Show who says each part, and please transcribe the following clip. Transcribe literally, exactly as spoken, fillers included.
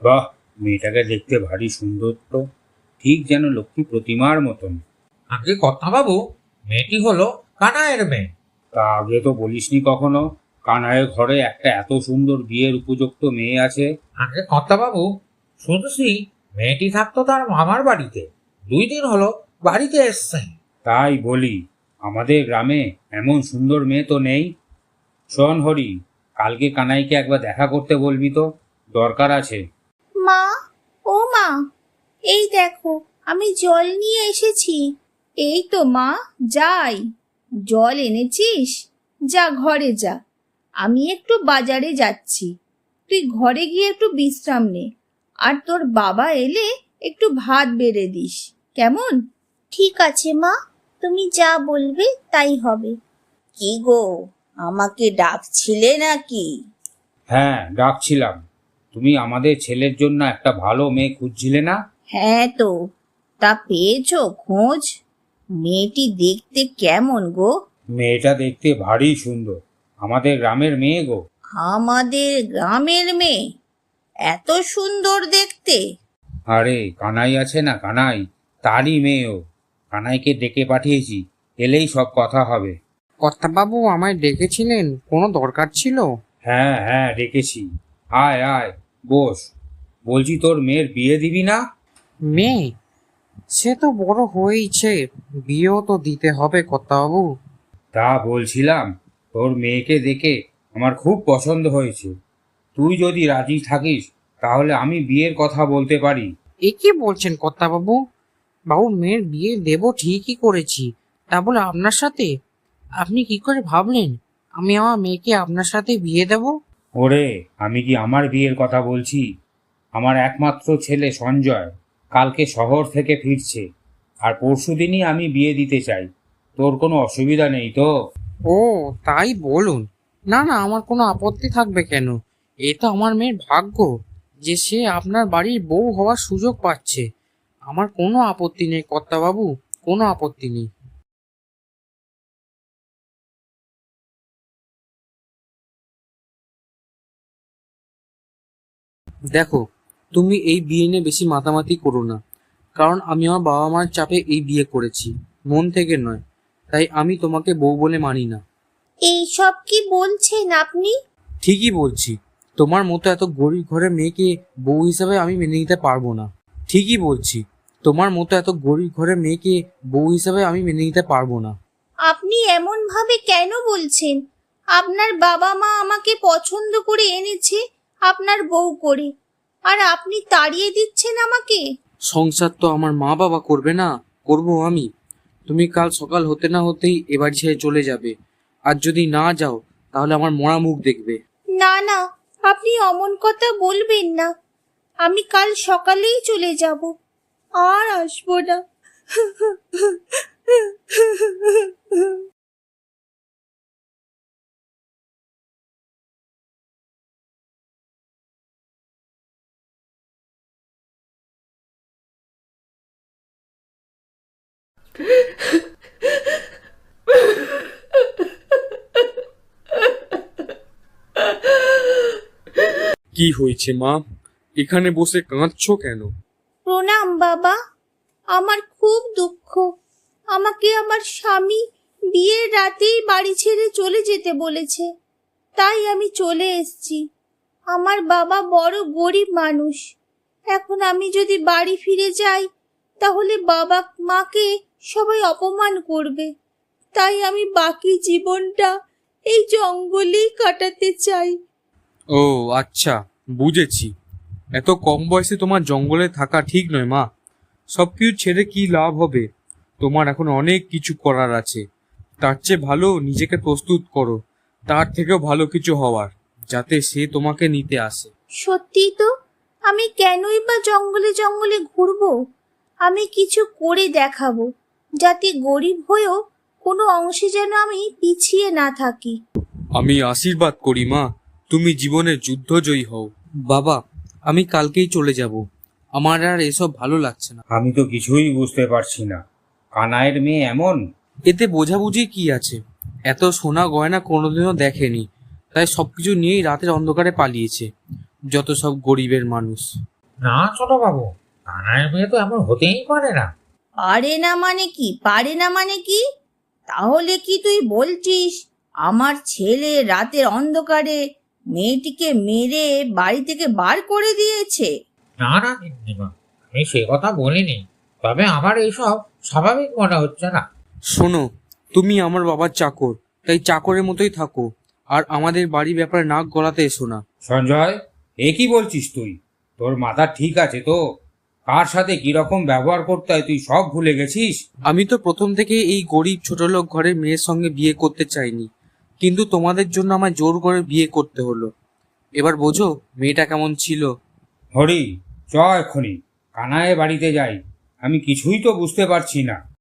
Speaker 1: বাহ, মেয়েটাকে দেখতে ভারী সুন্দর তো, ঠিক যেন লক্ষ্মী প্রতিমার মতন।
Speaker 2: আগে কথা বাবু, মেয়েটি হলো কানাইয়ের মেয়ে।
Speaker 1: তা আগে তো বলিসনি কখনো কানাইয়ের ঘরে একটা এত সুন্দর বিয়ের উপযুক্ত মেয়ে আছে।
Speaker 2: আগে কথা বাবু, শুনছি মেয়েটি থাকতো তার মামার বাড়িতে, দুই দিন হলো বাড়িতে এসছে।
Speaker 1: তাই বলি, আমাদের গ্রামে এমন সুন্দর মেয়ে তো নেই। শোন হরি, কালকে কানাইকে একবার দেখা করতে বলবি তো, দরকার আছে।
Speaker 3: মা, ও মা, এই দেখো আমি জল নিয়ে এসেছি। এই তো মা, যাই। জল এনেছিস? যা ঘরে যা, আমি একটু বাজারে যাচ্ছি। তুই ঘরে গিয়ে একটু বিশ্রাম নে, আর তোর বাবা এলে একটু ভাত বেড়ে দিস, কেমন? ঠিক আছে মা, তুমি যা বলবে তাই হবে। কি গো, আমাকে ডাকছিলে নাকি?
Speaker 1: হ্যাঁ, ডাকছিলাম। তুমি আমাদের ছেলের জন্য একটা ভালো মেয়ে খুঁজছিলে না?
Speaker 3: হ্যাঁ তো, তা পেয়েছো খোঁজ? মেয়েটি দেখতে কেমন গো?
Speaker 1: মেয়েটা দেখতে ভারী সুন্দর, আমাদের গ্রামের মেয়ে গো।
Speaker 3: আমাদের গ্রামের মেয়ে? এত সুন্দর দেখতে?
Speaker 1: আরে কানাই আছে না, কানাই, তারই মেয়ে ও। কানাইকে ডেকে পাঠিয়েছি, এলেই সব কথা হবে।
Speaker 4: কর্তাবাবু আমায় ডেকেছিলেন, কোনো দরকার ছিল?
Speaker 1: হ্যাঁ হ্যাঁ, ডেকেছি। আয় আয়, বস। বলছি, তোর মেয়ের বিয়ে দিবি না?
Speaker 4: মেয়ে? সে তো বড় হয়েইছে, বিয়েও তো দিতে হবে কর্তাবাবু।
Speaker 1: তা বলছিলাম, তোর মেয়েকে দেখে আমার খুব পছন্দ হয়েছে। তুই যদি রাজি থাকিস তাহলে আমি বিয়ের কথা বলতে পারি।
Speaker 4: এ কি বলছেন কর্তাবাবু? বাবু, মেয়ের বিয়ে দেব ঠিকই করেছি, তা বলে আপনার সাথে? আপনি কি করে ভাবলেন আমি আমার মেয়েকে আপনার সাথে বিয়ে দেব?
Speaker 1: ওরে, আমি কি আমার বিয়ের কথা বলছি? আমার একমাত্র ছেলে সঞ্জয় কালকে শহর থেকে ফিরছে, আর পরশুদিনই আমি বিয়ে দিতে চাই। তোর কোনো অসুবিধা নেই তো?
Speaker 4: ও, তাই বলুন। না না, আমার কোনো আপত্তি থাকবে কেন? এ তো আমার মেয়ের ভাগ্য যে সে আপনার বাড়ির বউ হওয়ার সুযোগ পাচ্ছে। আমার কোনো আপত্তি নেই কর্তাবাবু, কোনো আপত্তি নেই। দেখো, তুমি এই বিয়ে নিয়ে বেশি মাতামাতি করো না, কারণ আমি আমার বাবা মার চাপে এই বিয়ে করেছি, মন থেকে নয়। তাই আমি তোমাকে বউ বলে মানি না।
Speaker 3: এইসব কি বলছেন আপনি?
Speaker 4: ঠিকই বলছি, তোমার মতো এত গরিব ঘরের মেয়েকে বউ হিসাবে আমি মেনে নিতে পারবো না। ঠিকই বলছি, তোমার মতো এত গরিব ঘরের মেয়েকে বউ হিসাবে আমি মেনে নিতে পারবো না।
Speaker 3: আপনি এমন ভাবে কেন বলছেন? আপনার বাবা মা আমাকে পছন্দ করে এনেছে আপনার বউ করে, আর আপনি তাড়িয়ে দিচ্ছেন আমাকে?
Speaker 4: সংসার তো আমার মা বাবা করবে না, করব আমি। তুমি কাল সকাল হতে না হতেই এ বাড়ি ছেড়ে চলে যাবে, আর যদি না যাও তাহলে আমার মরা মুখ দেখবে।
Speaker 3: না না, আপনি অমন কথা বলবেন না। আমি কাল সকালেই চলে যাব, আর আসবো না।
Speaker 4: কি হয়েছে মা, এখানে বসে কাঁদছো কেন?
Speaker 3: প্রণাম বাবা, আমার খুব দুঃখ। আমাকে আমার স্বামী বিয়ের রাতেই বাড়ি ছেড়ে চলে যেতে বলেছে, তাই আমি চলে এসেছি। আমার বাবা বড় গরিব মানুষ। এখন আমি যদি বাড়ি ফিরে যাই তাহলে বাবা মাকে সবাই অপমান করবে। তাই আমি বাকি জীবনটা এই জঙ্গলেই কাটাতে চাই।
Speaker 4: ও আচ্ছা, বুঝেছি। এত কম বয়সে তোমার জঙ্গলে থাকা ঠিক নয় মা। সব কিছু ছেড়ে কি লাভ হবে? তোমার এখন অনেক কিছু করার আছে। তার চেয়ে ভালো নিজেকে প্রস্তুত করো, তার থেকেও ভালো কিছু হওয়ার, যাতে সে তোমাকে নিতে আসে।
Speaker 3: সত্যি তো, আমি কেনই বা জঙ্গলে জঙ্গলে ঘুরবো? আমি কিছু করে দেখাবো, যাতে গরিব হয়েও কোনো অংশে যেন আমি পিছিয়ে না থাকি।
Speaker 4: আমি আশীর্বাদ করি মা, তুমি জীবনে যুদ্ধজয়ী হও। বাবা, আমি কালকেই চলে যাব, আমার আর এসব ভালো লাগছে না।
Speaker 1: আমি তো কিছুই বুঝতে পারছি না, কানাইয়ের মেয়ে এমন?
Speaker 4: এতে বোঝাবুঝি কি আছে? এত সোনা গয়না কোনোদিনও দেখেনি, তাই সবকিছু নিয়েই রাতের অন্ধকারে পালিয়েছে, যত সব গরিবের মানুষ।
Speaker 2: না ছোট বাবু, কানাইয়ের মেয়ে তো এমন হতেই পারে না।
Speaker 3: পারে না মানে কি, পারে না মানে কি? তাহলে কি তুই বলছিস আমার ছেলে রাতের অন্ধকারে মেয়েটিকে মেরে বাড়ি থেকে বার করে দিয়েছে?
Speaker 2: না না গিন্নিমা, আমি সে কথা বলিনি, তবে আমার এইসব স্বাভাবিক মনে হচ্ছে না।
Speaker 4: শোনো, তুমি আমার বাবার চাকর, তাই চাকরের মতোই থাকো, আর আমাদের বাড়ির ব্যাপারে নাক গলাতে এসো না।
Speaker 1: সঞ্জয়, এ কি বলছিস তুই? তোর মাথা ঠিক আছে তো? কার সাথে কিরকম ব্যবহার করতে হয় তুই সব ভুলে গেছিস?
Speaker 4: আমি তো প্রথম থেকে এই গরিব ছোটলোক ঘরের মেয়ের সঙ্গে বিয়ে করতে চাইনি, কিন্তু তোমাদের জন্য আমার জোর করে বিয়ে করতে হলো। এবার বোঝো মেয়েটা কেমন ছিল।
Speaker 1: হরি, চ এক্ষুনি কানাইয়ের বাড়িতে যাই। আমি কিছুই তো বুঝতে পারছি না।